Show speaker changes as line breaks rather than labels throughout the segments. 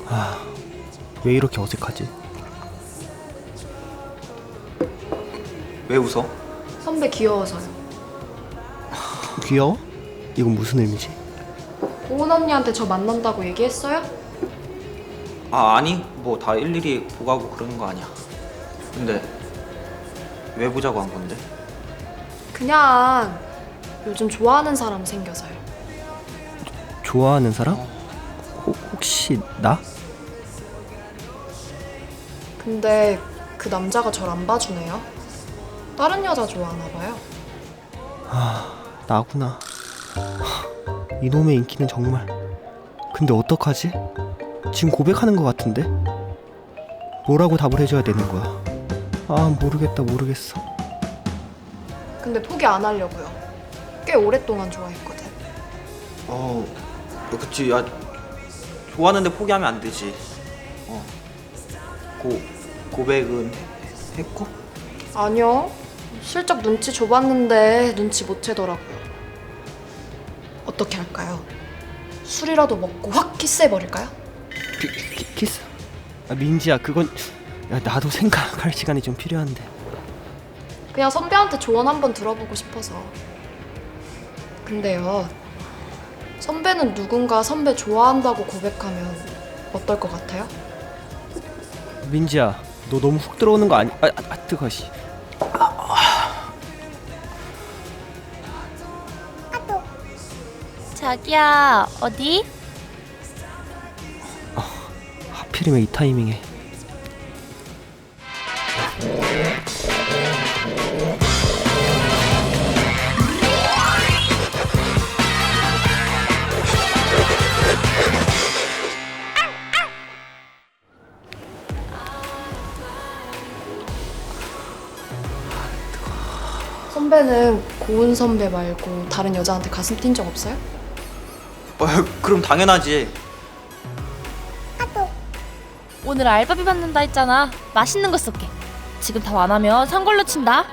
왜 이렇게 어색하지?
왜 웃어?
선배 귀여워서요.
귀여워? 이건 무슨 의미지?
고은 언니한테 저 만난다고 얘기했어요?
아니 뭐 다 일일이 보고하고 그러는 거 아니야. 근데 왜 보자고 한 건데?
그냥 요즘 좋아하는 사람 생겨서요.
좋아하는 사람? 혹시 나?
근데 그 남자가 절 안 봐주네요. 다른 여자 좋아하나 봐요.
나구나. 이놈의 인기는 정말. 근데 어떡하지? 지금 고백하는 것 같은데? 뭐라고 답을 해줘야 되는 거야? 모르겠어.
근데 포기 안 하려고요. 꽤 오랫동안 좋아했거든.
그치. 야, 좋아하는데 포기하면 안 되지. 고백은 했고?
아니요. 슬쩍 눈치 줘봤는데 눈치 못 채더라고요. 어떻게 할까요? 술이라도 먹고 확 키스해버릴까요?
키스? 민지야, 그건 나도 생각할 시간이 좀 필요한데.
그냥 선배한테 조언 한번 들어보고 싶어서. 근데요, 선배는 누군가 선배 좋아한다고 고백하면 어떨 것 같아요?
민지야, 너 너무 훅 들어오는 거 아니? 뜨거워. 씨.
자기야, 어디?
하필이면 이 타이밍에.
선배는 고은 선배 말고 다른 여자한테 가슴 뛴 적 없어요?
그럼 당연하지.
오늘 알바비 받는다 했잖아. 맛있는 거 쏠게. 지금 다 완하면 선걸로 친다.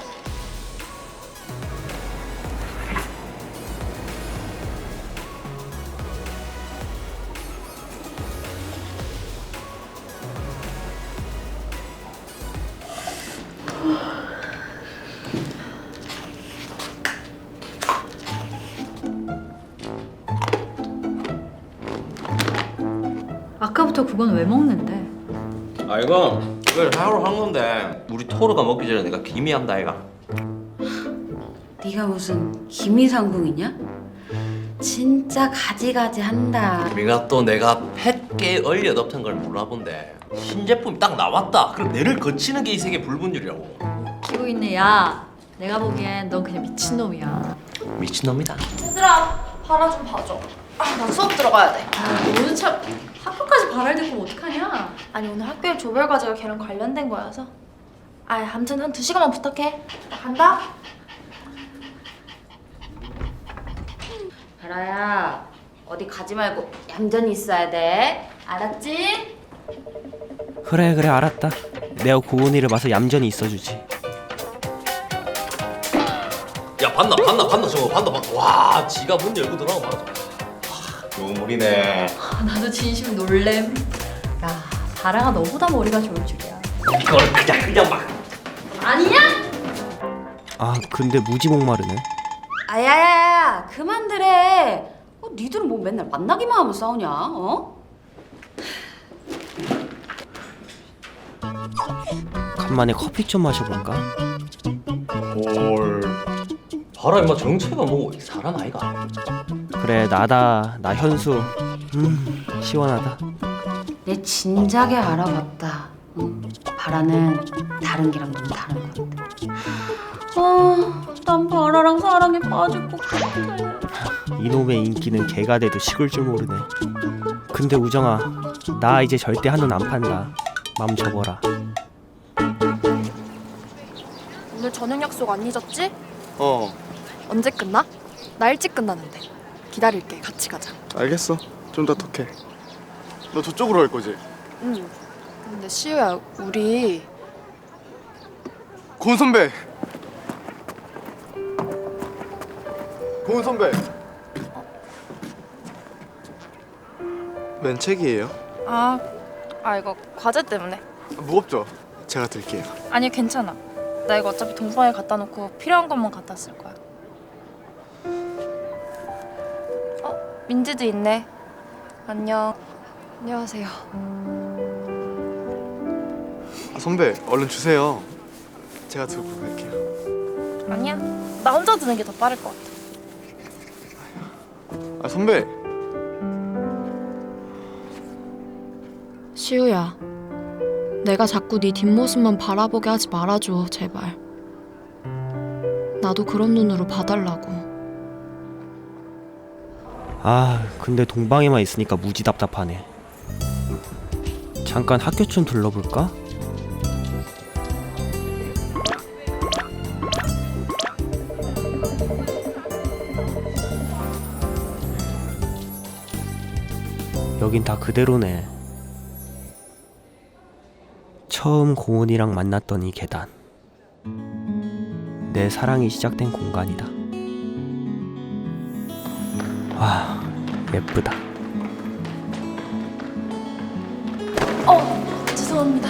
아까부터 그건 왜 먹는데?
이걸 하루 한 건데 우리 토르가 먹기 전에 내가 기미한다 아이가.
네가 무슨 기미상궁이냐? 진짜 가지가지 한다.
우리가 또 내가 팻게 얼려 넣던 걸 몰라본데 신제품이 딱 나왔다. 그럼 내를 거치는 게 이 세계 불분율이라고.
키고 있네. 야, 내가 보기엔 넌 그냥 미친놈이야.
미친놈이다.
얘들아, 바라 좀 봐줘. 난 수업 들어가야 돼.
너는 참 학교까지 발을 듣고 어떡하냐?
아니 오늘 학교에 조별 과제가 걔랑 관련된 거여서 아무튼 한 2시간만 부탁해. 나 간다.
바라야, 어디 가지 말고 얌전히 있어야 돼. 알았지?
그래 알았다. 내가 고은이를 봐서 얌전히 있어주지.
야 봤나 저거 봤나. 와 지가 문 열고 들어가고 말아. 요물이네.
나도 진심 놀램. 야, 바라가 너보다 머리가 좋을 줄이야.
이걸 그냥 막.
아니냐?
근데 무지 목마르네.
아야야야, 그만들 해. 니들은 뭐 맨날 만나기만 하면 싸우냐?
간만에 커피 좀 마셔볼까?
헐. 봐라 임마 정체가 뭐고 사람 아이가.
그래, 나다. 나 현수. 시원하다.
내 진작에 알아봤다. 바라는 다른 개랑 너무 다른 것 같아. 난 바라랑 사랑에 빠질 것 같아.
이놈의 인기는 개가 돼도 식을 줄 모르네. 근데 우정아, 나 이제 절대 한눈 안 판다. 맘 접어라.
오늘 저녁 약속 안 잊었지?
어,
언제 끝나? 나 일찍 끝나는데. 기다릴게. 같이 가자.
알겠어. 좀 더 톡해. 너 저쪽으로 갈 거지?
응. 근데 시우야, 우리
고은 선배. 고은 선배. 웬 책이에요?
이거 과제 때문에.
무겁죠? 제가 들게요.
아니 괜찮아. 나 이거 어차피 동방에 갖다 놓고 필요한 것만 갖다 쓸 거야. 민지도 있네. 안녕.
안녕하세요.
선배 얼른 주세요. 제가 들고 갈게요.
아니야. 나 혼자 드는 게 더 빠를 것 같아.
선배.
시우야, 내가 자꾸 네 뒷모습만 바라보게 하지 말아줘, 제발. 나도 그런 눈으로 봐달라고.
아, 근데 동방에만 있으니까 무지 답답하네. 잠깐 학교 좀 둘러볼까? 여긴 다 그대로네. 처음 고은이랑 만났던 이 계단. 내 사랑이 시작된 공간이다. 와, 예쁘다.
죄송합니다.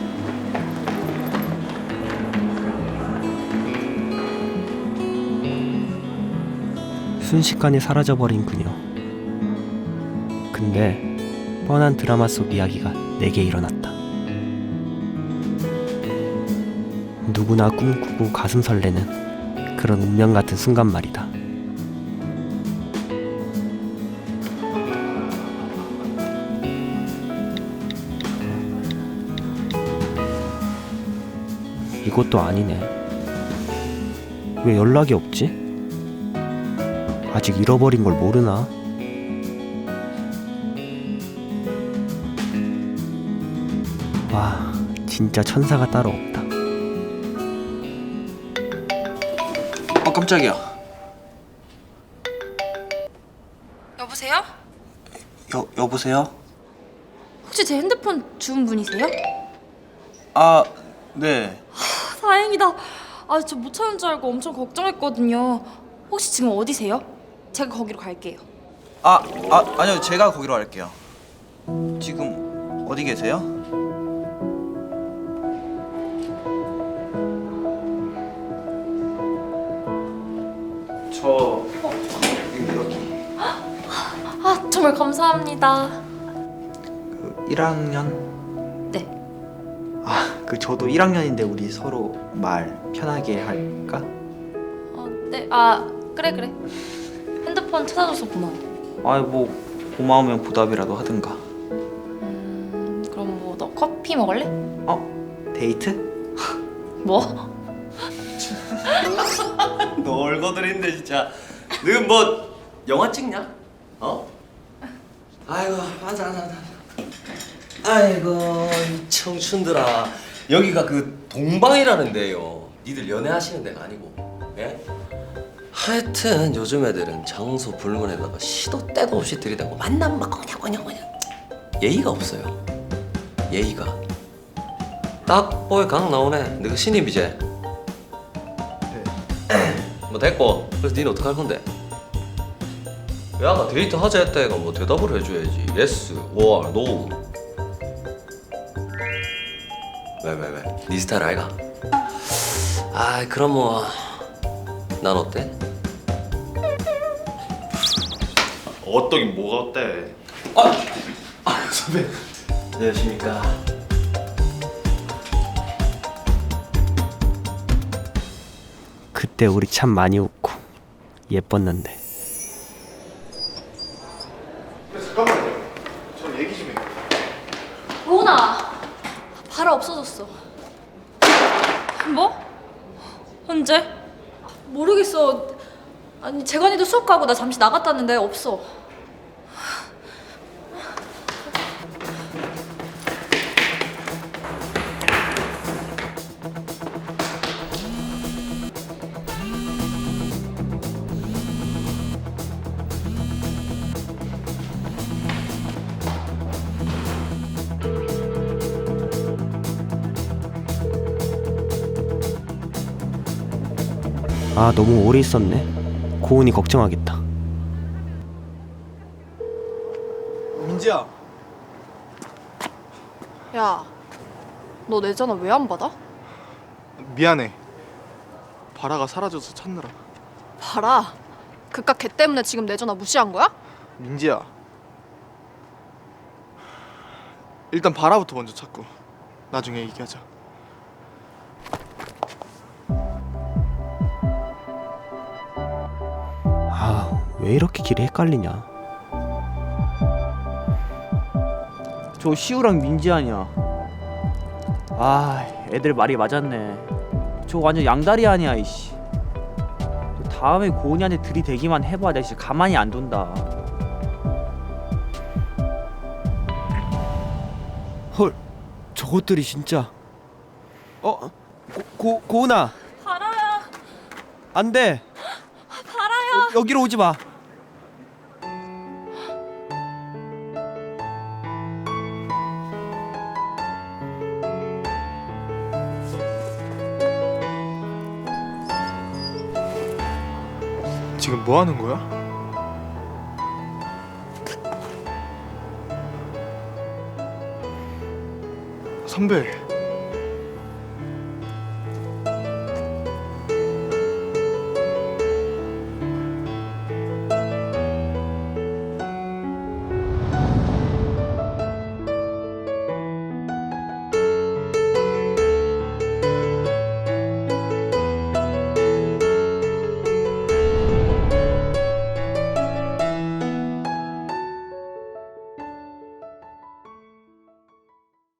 순식간에 사라져버린 그녀. 근데 뻔한 드라마 속 이야기가 내게 일어났다. 누구나 꿈꾸고 가슴 설레는 그런 운명 같은 순간 말이다. 이것도 아니네. 왜 연락이 없지? 아직 잃어버린 걸 모르나? 와, 진짜 천사가 따로 없다.
깜짝이야.
여보세요?
여보세요?
혹시 제 핸드폰 주운 분이세요?
아, 네.
다행이다. 저 못 찾은 줄 알고 엄청 걱정했거든요. 혹시 지금 어디세요? 제가 거기로 갈게요.
아니요. 제가 거기로 갈게요. 지금 어디 계세요? 저 여기
정말 감사합니다.
그 1학년?
네.
저도 1학년인데 우리 서로 말 편하게 할까?
네. 그래. 핸드폰 찾아줘서 고마워.
뭐 고마우면 보답이라도 하든가.
그럼 뭐 너 커피 먹을래?
데이트?
뭐?
너 얼거들인데 진짜. 너 뭐 영화 찍냐? 아이고 맞아. 아이고 이 청춘들아, 여기가 그 동방이라는 데요. 니들 연애하시는 데가 아니고. 예? 하여튼 요즘 애들은 장소 불문에다가 시도 때도 없이 들이대고 만나면 막 그냥 예의가 없어요. 예의가. 딱 보에 강 나오네. 너가 신입이제? 뭐 됐고. 그래서 니는 어떡할 건데? 야, 아까 데이트 하자 했다 애가 뭐 대답을 해줘야지. 예스, or no. 왜? 니 스타일 아이가? 그럼 뭐 난 어때?
어떠긴 뭐가 어때?
선배. 안녕하십니까.
그때 우리 참 많이 웃고 예뻤는데.
잠깐만요. 저 얘기 좀 해요.
로나! 바로 없어졌어. 뭐? 언제? 모르겠어. 아니 재관이도 수업 가고 나 잠시 나갔다는데 없어.
너무 오래 있었네. 고은이 걱정하겠다.
민지야.
야, 너 내 전화 왜 안 받아?
미안해. 바라가 사라져서 찾느라.
봐라. 그깟 걔 때문에 지금 내 전화 무시한 거야?
민지야. 일단 바라부터 먼저 찾고 나중에 얘기하자.
아, 왜 이렇게 길이 헷갈리냐.
저 시우랑 민지 아니야. 아, 애들 말이 맞았네. 저 완전 양다리 아니야 이씨. 다음에 고은이한테 들이대기만 해봐 내가 진짜 가만히 안 둔다.
헐, 저것들이 진짜. 고은아.
바라야.
안 돼.
바라야.
여기로 오지 마.
지금 뭐 하는 거야? 선배.